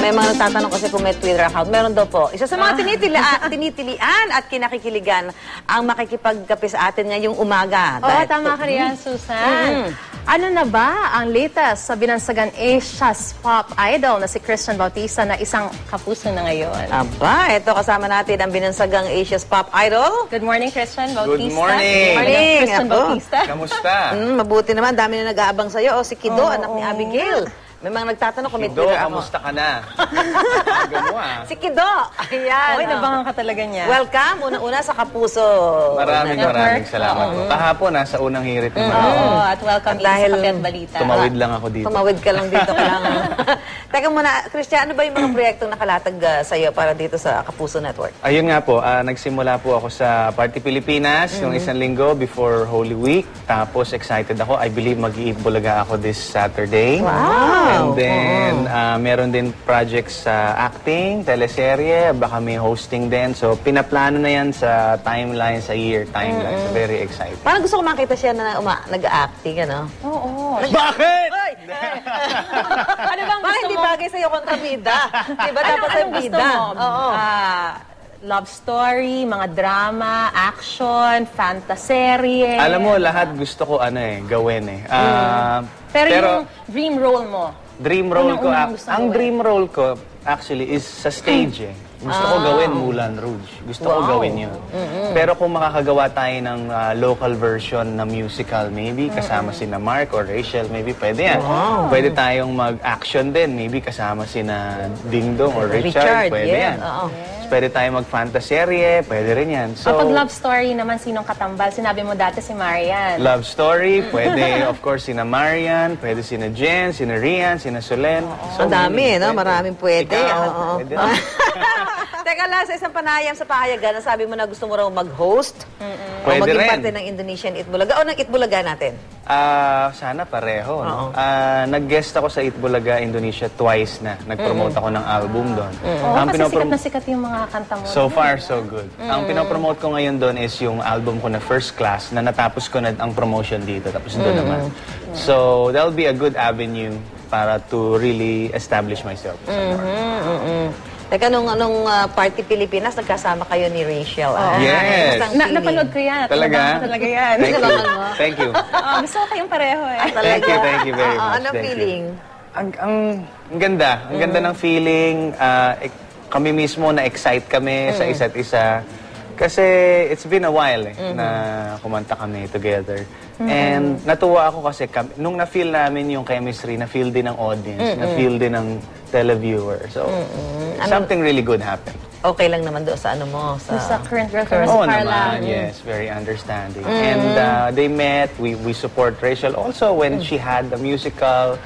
May mga nagtatanong kasi kung may Twitter account. Meron daw po. Isa sa mga tinitilian at kinakikiligan ang makikipagkape sa atin ngayong umaga. Oo, tama ka riyan, Susan. Ano na ba ang latest sa binansagan Asia's pop idol na si Christian Bautista na isang kapuso na ngayon? Aba, ito kasama natin ang binansagang Asia's pop idol. Good morning, Christian Bautista. Good morning. Good morning. Christian Ako. Bautista. Kamusta? Mabuti naman. Dami na nag-aabang sa'yo. O, si Kido, anak ni Abigail. May mga nagtatanong kung may Kido, Twitter account. kamusta ka na? Aga mo Si Kido. Ayan. Oy, nabangan ka talaga niya. Welcome. Una-una sa Kapuso. Maraming salamat po. Kahapon, nasa unang hirit naman. Oo, at welcome At dahil sa Kape at Balita. Tumawid lang ako dito. Tumawid ka lang dito. Teka muna, Christian, ano ba yung mga proyektong nakalatag sa'yo para dito sa Kapuso Network? Ayun nga po, nagsimula po ako sa Party Pilipinas yung isang linggo before Holy Week. Tapos excited ako. I believe mag-iibulaga ako this Saturday. Wow! And then, meron din projects sa acting, teleserye, baka may hosting din. So, pinaplano na yan sa timeline, sa year timeline. So, very excited. Parang gusto ko makita siya na nag-acting, ano? Oo. Bakit? Ano bang Parang gusto hindi mo? bagay sa'yo kontrabida. Diba dapat sa Anong gusto bida? mo? Oo. Love story, mga drama, action, fantaserye. Alam mo, lahat gusto ko gawin eh. Pero yung dream role mo? Dream role ko, Unang-unang gusto ang gawin. dream role ko actually is sa stage eh. Gusto ko gawin Moulin Rouge. Gusto ko gawin yun. Pero kung makakagawa tayo ng local version na musical, maybe kasama sina Mark or Rachel, maybe pwede yan. Pwede tayong mag-action din, maybe kasama sina Ding Dong or Richard, pwede yan. Oo. Pwede tayong mag-fantaserye, pwede rin yan. So, Kapag love story naman, sinong katambal? Sinabi mo dati si Marian. love story, pwede of course sina Marian, pwede sina Jen, sina Rian, sina Solen. Ang dami, no? Maraming pwede. Ikaw, Oo. pwede rin. Teka lang, sa isang panayam sa pahayagan, sabi mo na gusto mo raw mag-host o Pwede maging rin. parte ng Indonesian Itbulaga o ng Itbulaga natin. Sana pareho. No? Nag-guest ako sa Itbulaga, Indonesia twice na. Nag-promote ako ng album doon. Oo, kasi sikat na sikat yung mga kanta mo. So far, so good. Ang pinopromote ko ngayon doon is yung album ko na First Class na natapos ko na ang promotion dito. Tapos doon naman. So, that'll be a good avenue para to really establish myself. Teka, nung Party Pilipinas, nagkasama kayo ni Rachel. Yes. Kamusta ang feeling? Napanood ko yan. Talaga? Talaga yan. Thank you. Thank you. Gusto ko kayong pareho eh. Thank you very much. Anong Thank you. feeling? Ang ganda. Ang ganda ng feeling. Kami mismo na-excite kami sa isa't isa. Kasi it's been a while na kumanta kami together. And natuwa ako kasi nung na-feel namin yung chemistry, na-feel din ng audience, na-feel din ng televiewer. So, something really good happened. Okay lang naman doon sa ano mo? Sa current girlfriend, si Oo Carla. naman, yes. Very understanding. And they met, we support Rachel. Also, when she had the musical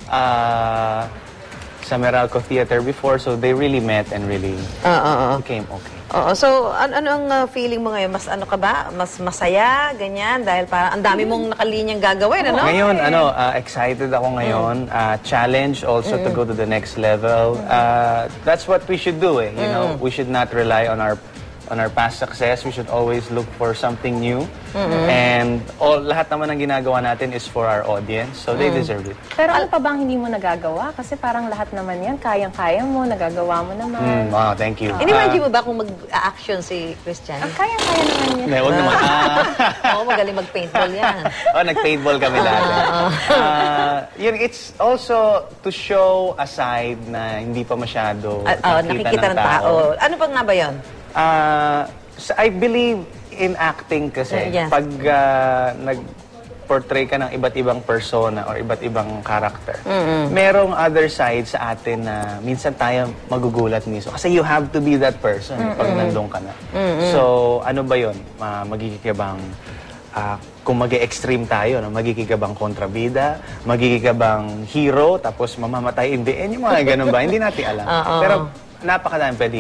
sa Meralco Theater before, so they really met and really became okay. Oo. So, ano ang feeling mo ngayon? Mas ano ka ba? Mas masaya? Ganyan? Dahil parang ang dami mong nakalinyang gagawin, ano? Ngayon, excited ako ngayon. Challenge also to go to the next level. That's what we should do, eh. You know, we should not rely on our past success. We should always look for something new. And lahat naman ng ginagawa natin is for our audience. So they deserve it. Pero ano pa bang hindi mo nagagawa? Kasi parang lahat naman yan, kayang-kaya mo, nagagawa mo naman. Wow, thank you. Inimagine mo ba kung mag-action si Christian? Kayang-kaya naman yan. Huwag naman. Oo, magaling mag-paintball yan. Nag-paintball kami dati. Yun, it's also to show a side na hindi pa masyado Nakikita ng tao. Ano pa nga ba yun? I believe in acting kasi Yes. pag nag-portray ka ng iba't ibang persona or iba't ibang character, merong other side sa atin na minsan tayo magugulat mismo. Kasi you have to be that person pag nandun ka na. So, ano ba yun? Magiging ka bang kung mag-extreme tayo, no? Magiging ka bang kontrabida, magiging ka bang hero, tapos mamamatay in the end, yung mga ganun ba? Hindi natin alam. Pero napakadami pwede i-explore.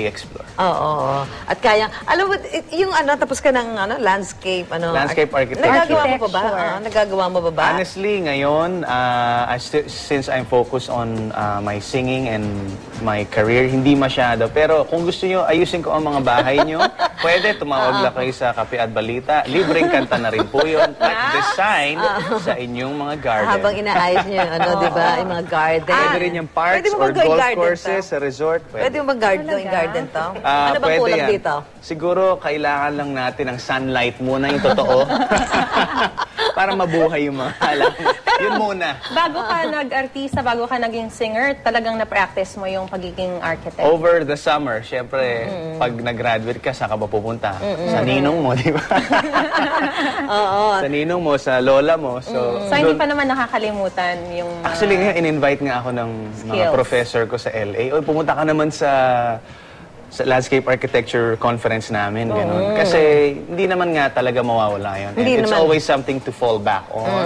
Oo. At kaya, alam mo, yung tapos ka ng landscape, Landscape architecture. Nagagawa mo pa ba? Architecture. Nagagawa mo ba? Honestly, ngayon, since I'm focused on my singing and my career, hindi masyado. Pero kung gusto nyo, ayusin ko ang mga bahay nyo, pwede, tumawag lang kayo sa Kape at Balita. Libreng kanta na rin po yun. At design sa inyong mga garden. Habang inaayos nyo yung di ba? Yung mga garden. Pwede rin yung parks Pwede mo or ba gawing golf garden courses to? sa resort. Pwede mo ba garden to? Ano bang Pwede kulang yan. dito? Siguro, kailangan lang natin ng sunlight muna, yung totoo. Para mabuhay yung mga halaman. Yun muna. Bago ka nag-artista, bago ka naging singer, talagang na-practice mo yung pagiging architect. Over the summer, syempre, pag nag-graduate ka, saan ka ba pupunta? Sa ninong mo, di ba? Oo. Sa ninong mo, sa lola mo. So, So, hindi pa naman nakakalimutan yung mga... Actually, ngayon, in-invite nga ako ng mga Skills. professor ko sa LA. O, pumunta ka naman sa landscape architecture conference namin, ganun. Kasi hindi naman nga talaga mawawala yun. And Hindi it's naman. always something to fall back on.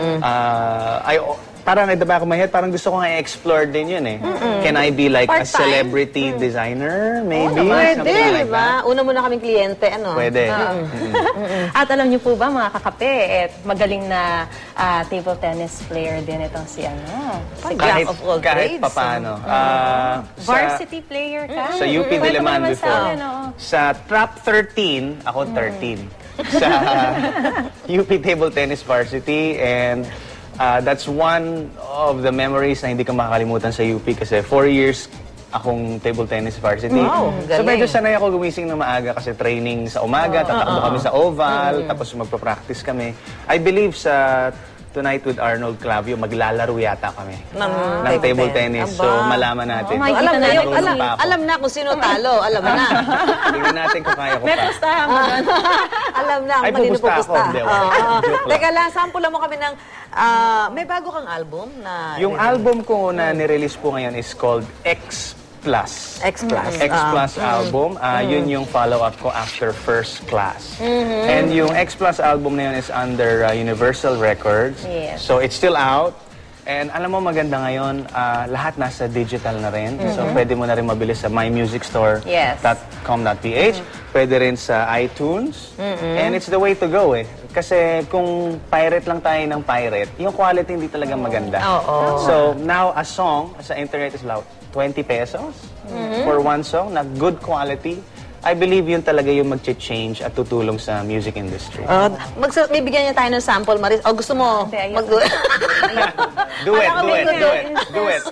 Parang at the back of my head, parang gusto ko nga i-explore din yun eh. Can I be like a Part-time? celebrity designer, maybe? Pwede, Something di like ba? that. Una muna kaming kliyente, Pwede. At alam niyo po ba, mga kakape, magaling na table tennis player din itong si si Jack of all kahit trades. papano. varsity player ka? Sa UP Kwento mo Diliman naman before. Sa, akin, oo. Sa Trap 13, ako 13. Sa UP Table Tennis Varsity, and that's one of the memories na hindi ko makakalimutan sa UP kasi 4 years akong table tennis varsity. Wow, So galing. medyo sanay ako gumising na maaga kasi training sa umaga, tatakbo kami sa oval, tapos magpa-practice kami. I believe sa Tonight with Arnold Clavio, maglalaro yata kami ng table tennis. So Aba. malaman natin. Oh my Alam na yun, Marunong pa ako. alam na kung sino talo, alam na. Tingnan natin kung kaya ko May pa. pustahan mo doon. Alam na Ay, kung kanino pupusta ako. pupusta. Hindi, wala. Oo. Joke lang. Teka lang, sample lang mo kami ng, may bago kang album na... Yung album ko na nirelease po ngayon is called X Plus. X Plus. X Plus album. Yun yung follow-up ko after First Class. And yung X Plus album na yun is under Universal Records. Yes. So it's still out. And alam mo, maganda ngayon, lahat nasa digital na rin. So pwede mo na rin mabili sa Yes. mymusicstore.com.ph. Pwede rin sa iTunes. And it's the way to go eh. Kasi kung pirate lang tayo ng pirate, yung quality hindi talaga maganda. Oo. So now a song sa internet is about 20 pesos for one song na good quality. I believe yun talaga yung mag-change at tutulong sa music industry. May bigyan niya tayo ng sample, Maris. O gusto mo? Hindi, ayoko. Do it, do it, do it, do it.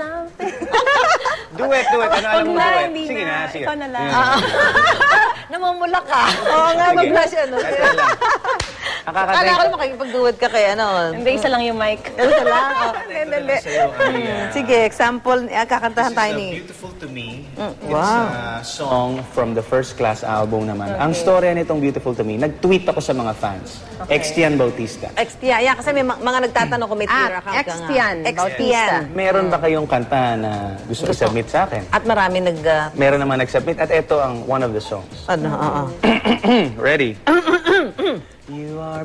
Do it, do it. Ano alam mo do it? Hindi Sige na. na, sige. Ikaw na lang. Namumula ka. Oo nga, Sige. mag-blush ano. Ito lang. Akala ko Nakakatay. makikipag-duet ka kay ano. Hindi, isa lang yung mic. Ano ka lang? Dali. Sige, example, kakantahan tayo ni... Beautiful to Me. Wow. It's a song from the First Class album naman. Ang storya nitong Beautiful to Me, nag-tweet ako sa mga fans. Extian Bautista. Xtian. Yeah, kasi may mga nagtatanong kung may Twitter account ka nga. Xtian Bautista. Meron ba kayong kanta na gusto i-submit sa akin? At marami Meron naman nag-submit at ito ang one of the songs. oo. Ready? You are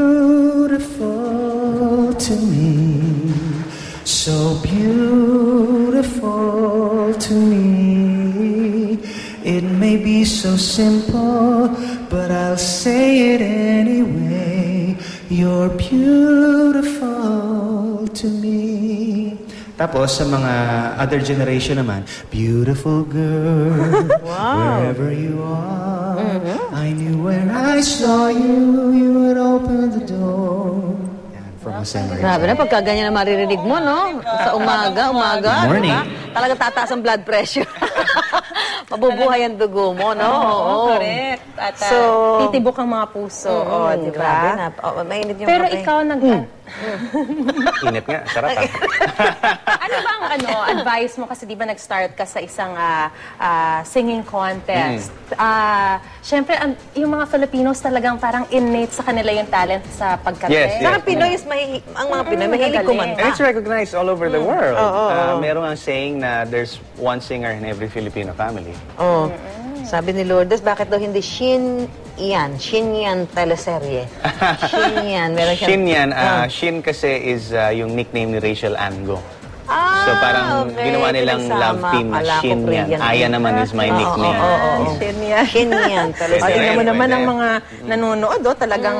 beautiful to me, so beautiful to me. It may be so simple, but I'll say it anyway. You're beautiful to me. Tapos sa mga other generation naman, beautiful girl, wherever you are, I knew when I saw you, you would open the door. Yan, from Jose Maria. Grabe na, pagka ganyan na maririnig mo, no? Sa umaga. Good morning. Diba? Talaga tataas ang blood pressure. Mabubuhay ang dugo mo, no? Oo, correct. At titibok ang mga puso. Di Grabe ba? na. Mainit yung Pero kape. ikaw Init nga, sarap ah. ano bang advice mo kasi di ba nag-start ka sa isang singing contest? Syempre, yung mga Filipinos talagang parang innate sa kanila yung talent sa pagkante. Yes, yes. Saka Pinoy ang mga Pinoy mahilig magaling. kumanta. And it's recognized all over the world. Merong ang saying na there's one singer in every Filipino family. Oh. Sabi ni Lourdes, bakit daw hindi Shin Yan teleserye. Shin Yan. Meron siyang... Shin yan. Shin kasi is yung nickname ni Rachel Ango. Ah, So parang okay. ginawa nilang Pinagsama. love team na Ala ko, Shin yan. Korean. Aya naman is my nickname. Shin yan. Shin yan. Pwede O, tingnan mo rin, naman pwede. ang mga nanonood, talagang...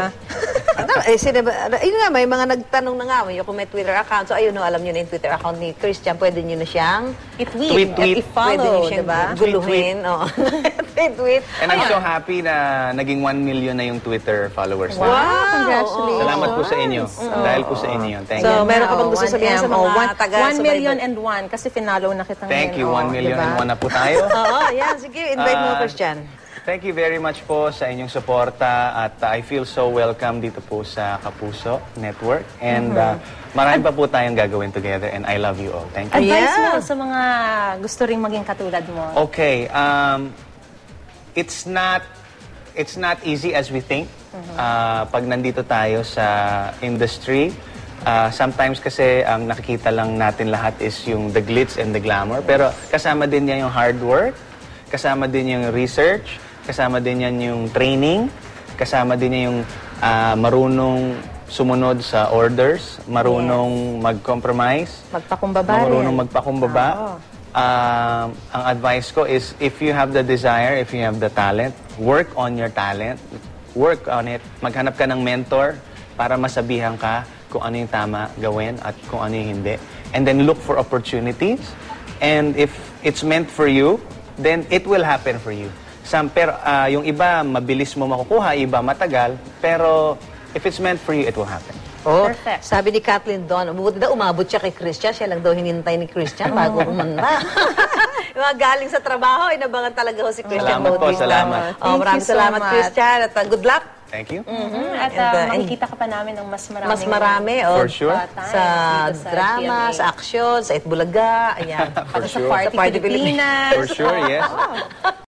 Ayun nga, may mga nagtanong na nga, kung may Twitter account. So, ayun, no, alam nyo na yung Twitter account ni Christian. Pwede nyo na siyang i-tweet, Tweet. pwede nyo i-follow, siyang diba? guluhin. Oo. Tweet. And I'm so happy na naging 1 million na yung Twitter followers Wow, na. congratulations. Salamat po sa inyo. Dahil po sa inyo. Thank So, you. meron ka bang gusto sabihin sa mga taga 1 million and 1 kasi finalo na kita Thank you. ngayon. 1 million diba? and 1 na po tayo. Oo, yan. Sige, invite mo, Christian. Thank you very much po sa inyong suporta at I feel so welcome dito po sa Kapuso Network and marami pa po tayong gagawin together and I love you all. Thank you. Advice Yeah. mo sa mga gusto ring maging katulad mo. Okay, it's not easy as we think. Pag nandito tayo sa industry, sometimes kasi ang nakikita lang natin lahat is yung the glitz and the glamour. Pero kasama din yan yung hard work, kasama din yung research, kasama din yan yung training, kasama din yan yung marunong sumunod sa orders, marunong mag-compromise, Magpakumbaba rin. marunong magpakumbaba. Ang advice ko is if you have the desire, if you have the talent, work on your talent, work on it. Maghanap ka ng mentor para masabihan ka kung ano yung tama gawin at kung ano yung hindi. And then look for opportunities. And if it's meant for you, then it will happen for you. Pero yung iba, mabilis mo makukuha, iba matagal. Pero if it's meant for you, it will happen. Oh, Perfect. sabi ni Kathleen Don, umabot siya kay Christian. Siya lang daw hinintay ni Christian bago kumanta. Yung mga galing sa trabaho, inabangan talaga ho si Christian Salamat po, Bautista. salamat. Oh, Thank maraming you so salamat, much. Christian. At good luck. Thank you. At And, makikita ka pa namin ng mas maraming Mas marami, oh. For sure. times Sa dito drama, GMA. sa aksyon, sa Itbulaga, ayan. For Pati sa sure. Party Sa Party Pilipinas. For sure, yes.